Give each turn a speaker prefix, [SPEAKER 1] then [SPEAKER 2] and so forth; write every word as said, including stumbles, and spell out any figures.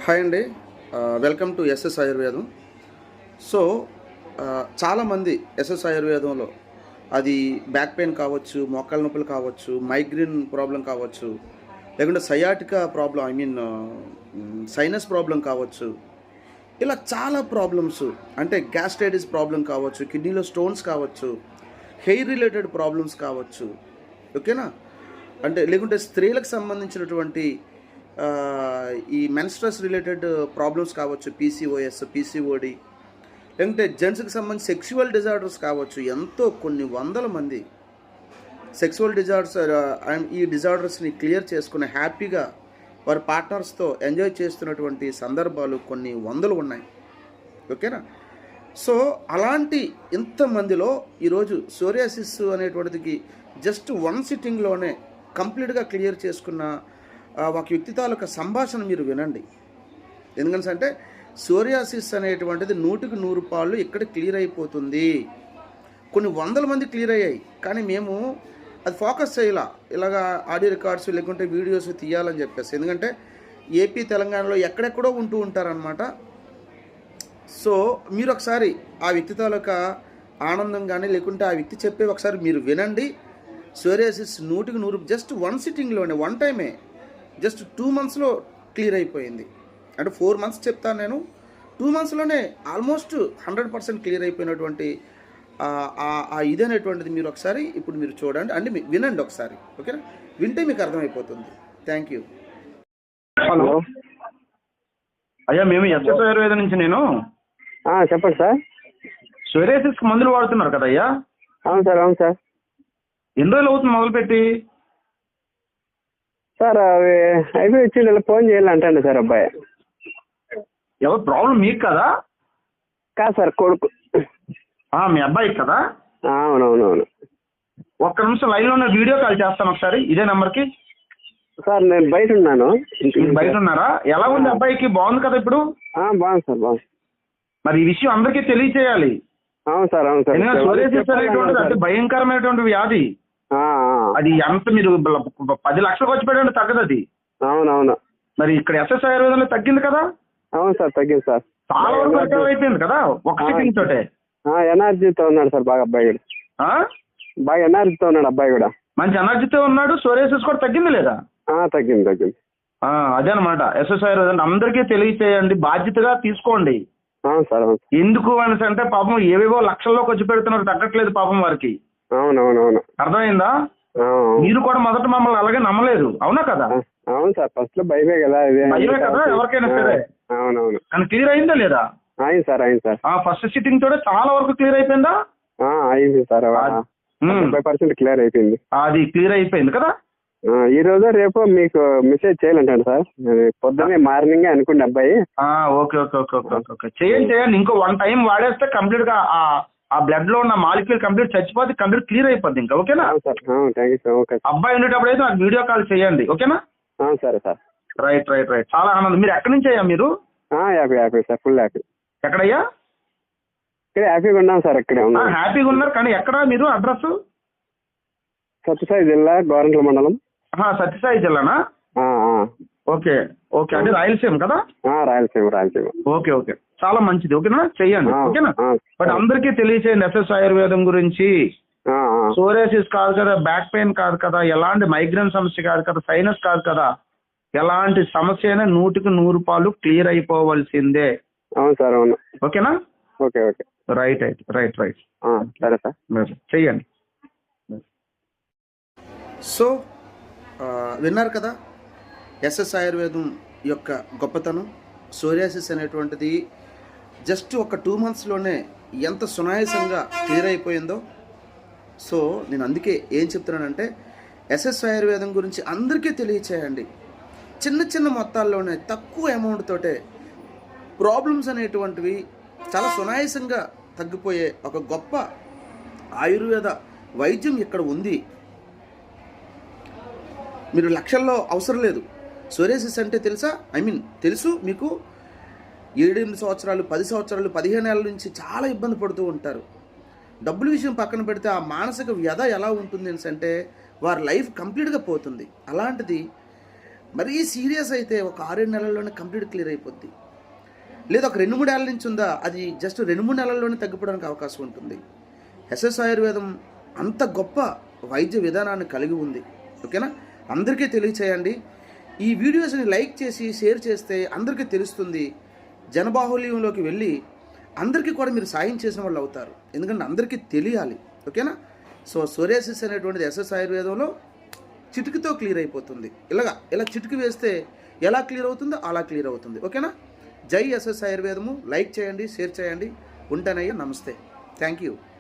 [SPEAKER 1] Hi అండి. Welcome to SS Ayurvedam. So చాలామంది ఎస్ఎస్ ఆయుర్వేదంలో అది బ్యాక్ పెయిన్ కావచ్చు, మోకాళ్ళ నొప్పులు కావచ్చు, మైగ్రేన్ ప్రాబ్లం కావచ్చు, లేకుంటే sciatica problem I mean sinus problem కావచ్చు, ఇలా చాలా ప్రాబ్లమ్స్ అంటే గ్యాస్ట్రైటిస్ ప్రాబ్లం కావచ్చు, కిడ్నీలో స్టోన్స్ కావచ్చు, హెయిర్ రిలేటెడ్ ప్రాబ్లమ్స్ కావచ్చు, ఓకేనా. అంటే లేకుంటే స్త్రీలకు సంబంధించినటువంటి ఈ మెన్స్ట్రస్ రిలేటెడ్ ప్రాబ్లమ్స్ కావచ్చు, పీసీఓఎస్, పీసీఓడి, లేకుంటే జెంట్స్కి సంబంధించి సెక్సువల్ డిజార్డర్స్ కావచ్చు. ఎంతో కొన్ని వందల మంది సెక్సువల్ డిజార్డర్స్ ఈ డిజార్డర్స్ని క్లియర్ చేసుకుని హ్యాపీగా వారి పార్ట్నర్స్తో ఎంజాయ్ చేస్తున్నటువంటి సందర్భాలు కొన్ని వందలు ఉన్నాయి, ఓకేనా. సో అలాంటి ఇంతమందిలో ఈరోజు సోరియాసిస్ అనేటువంటిది జస్ట్ వన్ సిట్టింగ్లోనే కంప్లీట్గా క్లియర్ చేసుకున్న ఒక వ్యక్తి తాలూకా సంభాషణ మీరు వినండి. ఎందుకంటే అంటే సోరియాసిస్ అనేటువంటిది నూటికి నూరు పాళ్ళు ఇక్కడ క్లియర్ అయిపోతుంది. కొన్ని వందల మంది క్లియర్ అయ్యాయి, కానీ మేము అది ఫోకస్ చేయాల, ఇలాగా ఆడియో రికార్డ్స్ లేకుంటే వీడియోస్ తీయాలని చెప్పేసి. ఎందుకంటే ఏపీ తెలంగాణలో ఎక్కడెక్కడో ఉంటూ ఉంటారనమాట. సో మీరు ఒకసారి ఆ వ్యక్తి తాలూకా ఆనందం కానీ లేకుంటే ఆ వ్యక్తి చెప్పే ఒకసారి మీరు వినండి. సోరియాసిస్ నూటికి నూరు జస్ట్ వన్ సిట్టింగ్లోనే, వన్ టైమే, జస్ట్ టూ మంత్స్లో క్లియర్ అయిపోయింది. అంటే ఫోర్ మంత్స్ చెప్తాను నేను, టూ మంత్స్లోనే ఆల్మోస్ట్ హండ్రెడ్ పర్సెంట్ క్లియర్ అయిపోయినటువంటి ఆ ఇదనేటువంటిది మీరు ఒకసారి ఇప్పుడు మీరు చూడండి, అంటే వినండి ఒకసారి, ఓకేనా. వింటే మీకు అర్థమైపోతుంది. Thank you.
[SPEAKER 2] హలో అయ్యా, మేము ఎస్ఎస్ ఆయుర్వేదం నుంచి. నేను
[SPEAKER 3] చెప్పండి సార్.
[SPEAKER 2] సోరియాసిస్ మందులు వాడుతున్నారు కదా అయ్యా?
[SPEAKER 3] అవును సార్. అవును సార్.
[SPEAKER 2] ఎన్ని రోజులు అవుతుంది మొదలుపెట్టి?
[SPEAKER 3] సార్ అవి అయిపోయి వచ్చి ఇలా ఫోన్ చేయాలంటండి సార్ అబ్బాయి.
[SPEAKER 2] ఎవరు ప్రాబ్లం? మీకు కదా?
[SPEAKER 3] కాదు సార్, కొడుకు.
[SPEAKER 2] మీ అబ్బాయికి కదా?
[SPEAKER 3] అవునవునవును.
[SPEAKER 2] ఒక్క నిమిషం లైన్లో ఉన్న వీడియో కాల్ చేస్తాను ఒకసారి, ఇదే నెంబర్కి.
[SPEAKER 3] సార్ నేను బయట ఉన్నాను.
[SPEAKER 2] బయట ఉన్నారా? ఎలా ఉంది అబ్బాయికి? బాగుంది కదా ఇప్పుడు?
[SPEAKER 3] బాగుంది సార్, బాగుంది. మరి
[SPEAKER 2] ఈ విషయం అందరికీ తెలియచేయాలి.
[SPEAKER 3] అవును సార్. అవును సార్.
[SPEAKER 2] సోరియాసిస్ అనేటువంటిది అంటే భయంకరమైనటువంటి వ్యాధి. అది ఎంత మీరు పది లక్షలు ఖర్చు పెట్టండి తగ్గదు అది.
[SPEAKER 3] అవునవును.
[SPEAKER 2] మరి ఇక్కడ ఎస్ఎస్ ఆయుర్వేదంలో తగ్గింది కదా?
[SPEAKER 3] అవును సార్, తగ్గింది సార్.
[SPEAKER 2] చాలా వరకు రికవర్ అయిపోయింది కదా ఒక సిట్టింగ్ తోటే.
[SPEAKER 3] ఎనర్జీతో ఉన్నాడు సార్ బాగా అబ్బాయి కూడా. బాగా ఎనర్జీతో ఉన్నాడు అబ్బాయి కూడా.
[SPEAKER 2] మంచి ఎనర్జీతో ఉన్నాడు. సోరియాసిస్ కూడా తగ్గింది లేదా?
[SPEAKER 3] తగ్గింది తగ్గింది.
[SPEAKER 2] అదే అనమాట. ఎస్ఎస్ ఆయుర్వేదం అందరికీ తెలియచేయండి, బాధ్యతగా తీసుకోండి.
[SPEAKER 3] అవును సార్. అవును.
[SPEAKER 2] ఎందుకు అనేసి అంటే పాపం ఏవేవో లక్షల్లో ఖర్చు పెడుతున్నారు, తగ్గట్లేదు పాపం వారికి.
[SPEAKER 3] అవునవునవును.
[SPEAKER 2] అర్థమైందా? మీరు కూడా మొదట మమ్మల్ని అలాగే నమ్మలేదు, అవునా కదా?
[SPEAKER 3] అవును సార్, ఫస్ట్ లో భయమే కదా.
[SPEAKER 2] భయమే కదా ఎవరికైనా సరే.
[SPEAKER 3] అవునవును.
[SPEAKER 2] కానీ క్లియర్ అయిందా లేదా?
[SPEAKER 3] అయింది సార్, అయింది సార్.
[SPEAKER 2] ఫస్ట్ సిట్టింగ్ తోటే చాలా వరకు క్లియర్ అయిపోయిందా?
[SPEAKER 3] అయింది సార్, ఫైవ్ పర్సెంట్ క్లియర్ అయిపోయింది.
[SPEAKER 2] అది క్లియర్ అయిపోయింది కదా.
[SPEAKER 3] ఈ రోజు రేపు మీకు మెసేజ్ చేయాలంటాడు సార్. పొద్దున్నే మార్నింగ్ అనుకోండి అబ్బాయి.
[SPEAKER 2] Okay okay okay okay okay చేయండి చేయండి. ఇంకో వన్ టైం వాడేస్తే కంప్లీట్ గా ఆ బ్లడ్ లో ఉన్న మాలిక్యూల్ కంప్లీట్ చచ్చిపోతే కంప్లీట్ క్లియర్ అయిపోద్ది ఇంకా, ఓకేనా?
[SPEAKER 3] Sir thank you sir. Okay.
[SPEAKER 2] అబ్బాయి ఉండేటప్పుడు అయితే నాకు వీడియో కాల్ చేయండి, ఓకేనా?
[SPEAKER 3] సరే సార్.
[SPEAKER 2] రైట్ రైట్ రైట్ చాలా ఆనందం. మీరు ఎక్కడి నుంచి అయ్యా మీరు?
[SPEAKER 3] Happy happy sir, full happy.
[SPEAKER 2] ఎక్కడయ్యా?
[SPEAKER 3] ఇక్కడే హ్యాపీగా ఉన్నాం సార్. ఇక్కడే ఉన్నాం.
[SPEAKER 2] హ్యాపీగా ఉన్నారు, కానీ ఎక్కడ మీరు అడ్రస్?
[SPEAKER 3] సత్యసాయి జిల్లా, గోరంట్ల మండలం.
[SPEAKER 2] సత్యసాయి జిల్లానా? Okay okay. అంటే రాయలసీమ కదా?
[SPEAKER 3] రాయలసీమ రాయలసీమ.
[SPEAKER 2] ఓకే ఓకే చాలా మంచిది, ఓకేనా? చెయ్యండి, ఓకేనా? బట్ అందరికీ తెలియచేయండి ఎస్ఎస్ ఆయుర్వేదం గురించి. సోరియాసిస్ కాదు కదా, బ్యాక్ పెయిన్ కాదు కదా, ఎలాంటి మైగ్రేన్ సమస్య కాదు కదా, సైనస్ కాదు కదా, ఎలాంటి సమస్య అయినా నూటికి నూరు పాలు క్లియర్ అయిపోవలసిందే.
[SPEAKER 3] అవును సార్, అవును.
[SPEAKER 2] ఓకేనా?
[SPEAKER 3] Okay okay.
[SPEAKER 2] Right right right right
[SPEAKER 3] సరే సార్,
[SPEAKER 2] చెయ్యండి.
[SPEAKER 1] సో విన్నారు కదా ఎస్ఎస్ ఆయుర్వేదం యొక్క గొప్పతనం. సోరియాసిస్ అనేటువంటిది జస్ట్ ఒక టూ మంత్స్లోనే ఎంత సునాయాసంగా క్లియర్ అయిపోయిందో. సో నేను అందుకే ఏం చెప్తున్నానంటే ఎస్ఎస్ ఆయుర్వేదం గురించి అందరికీ తెలియచేయండి. చిన్న చిన్న మొత్తాల్లోనే తక్కువ అమౌంట్ తోటే ప్రాబ్లమ్స్ అనేటువంటివి చాలా సునాయాసంగా తగ్గిపోయే ఒక గొప్ప ఆయుర్వేద వైద్యం ఇక్కడ ఉంది. మీరు లక్షల్లో అవసరం లేదు. సోరియాసిస్ అంటే తెలుసా? ఐ మీన్ తెలుసు మీకు. ఏడెనిమిది సంవత్సరాలు, పది సంవత్సరాలు, పదిహేను ఏళ్ళ నుంచి చాలా ఇబ్బంది పడుతూ ఉంటారు. డబ్బుల విషయం పక్కన పెడితే ఆ మానసిక వ్యధ ఎలా ఉంటుంది అంటే వారి లైఫ్ కంప్లీట్గా పోతుంది. అలాంటిది మరీ సీరియస్ అయితే ఒక ఆరేడు నెలల్లోనే కంప్లీట్ క్లియర్ అయిపోద్ది. లేదా ఒక రెండు మూడు ఏళ్ళ నుంచి ఉందా, అది జస్ట్ రెండు మూడు నెలల్లోనే తగ్గిపోవడానికి అవకాశం ఉంటుంది. ఎస్ఎస్ ఆయుర్వేదం అంత గొప్ప వైద్య విధానాన్ని కలిగి ఉంది. ఓకేనా, అందరికీ తెలియచేయండి. ఈ వీడియోస్ని లైక్ చేసి షేర్ చేస్తే అందరికీ తెలుస్తుంది. జనబాహుల్యంలోకి వెళ్ళి అందరికీ కూడా మీరు సాయం చేసిన వాళ్ళు అవుతారు. ఎందుకంటే అందరికీ తెలియాలి. ఓకేనా, సో సోరియాసిస్ అనేటువంటిది ఎస్ఎస్ ఆయుర్వేదంలో చిటికతో క్లియర్ అయిపోతుంది. ఇలాగా ఇలా చిటికి వేస్తే ఎలా క్లియర్ అవుతుందో అలా క్లియర్ అవుతుంది. ఓకేనా, జై ఎస్ఎస్ ఆయుర్వేదము. లైక్ చేయండి, షేర్ చేయండి. ఉంటానయ్యా, నమస్తే, థ్యాంక్ యూ.